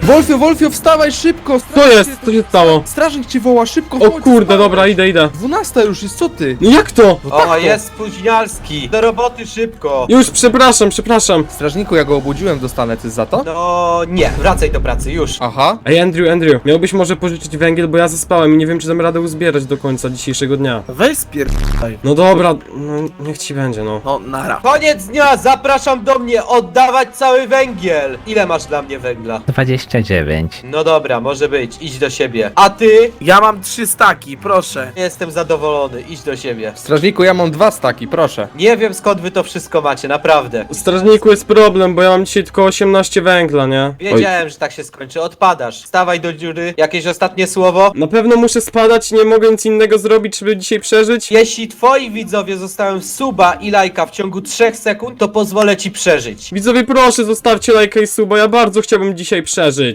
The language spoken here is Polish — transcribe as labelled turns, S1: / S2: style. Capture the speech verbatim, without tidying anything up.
S1: Wolfio, Wolfio, wstawaj szybko!
S2: Co
S1: strażnik
S2: jest?
S1: cię-
S2: Co się stało?
S1: Strażnik cię woła, szybko!
S2: O
S1: chodź,
S2: kurde,
S1: wstawaj.
S2: dobra, idę, idę.
S1: Dwunasta już jest, co ty?
S2: No jak to?
S1: No tak,
S3: O,
S1: to.
S3: jest spóźnialski. Do roboty szybko.
S2: Już, przepraszam, przepraszam.
S1: Strażniku, ja go obudziłem, dostanę ty za to?
S3: No nie, wracaj do pracy, już.
S1: Aha.
S2: Ej, Andrew, Andrew, miałbyś może pożyczyć węgiel, bo ja zaspałem i nie wiem, czy dam radę uzbierać do końca dzisiejszego dnia.
S4: Weź spierdaj.
S2: No dobra, no niech ci będzie, no.
S4: No, nara.
S3: Koniec dnia, zapraszam do mnie oddawać cały węgiel. Ile masz dla mnie węgla?
S5: dwadzieścia dziewięć.
S3: No dobra, może być, idź do siebie. A ty?
S4: Ja mam trzy staki, proszę.
S3: Jestem zadowolony, idź do siebie.
S1: Strażniku, ja mam dwa staki, proszę.
S3: Nie wiem skąd wy to wszystko macie, naprawdę.
S2: U strażniku jest problem, bo ja mam dzisiaj tylko osiemnaście węgla, nie? Oj.
S3: Wiedziałem, że tak się skończy, odpadasz. Stawaj do dziury, jakieś ostatnie słowo?
S2: Na pewno muszę spadać, nie mogę nic innego zrobić, żeby dzisiaj przeżyć.
S3: Jeśli twoi widzowie zostają suba i lajka w ciągu trzech sekund, to pozwolę ci przeżyć.
S2: Widzowie, proszę, zostawcie lajka i suba, ja bardzo chciałbym dzisiaj przeżyć.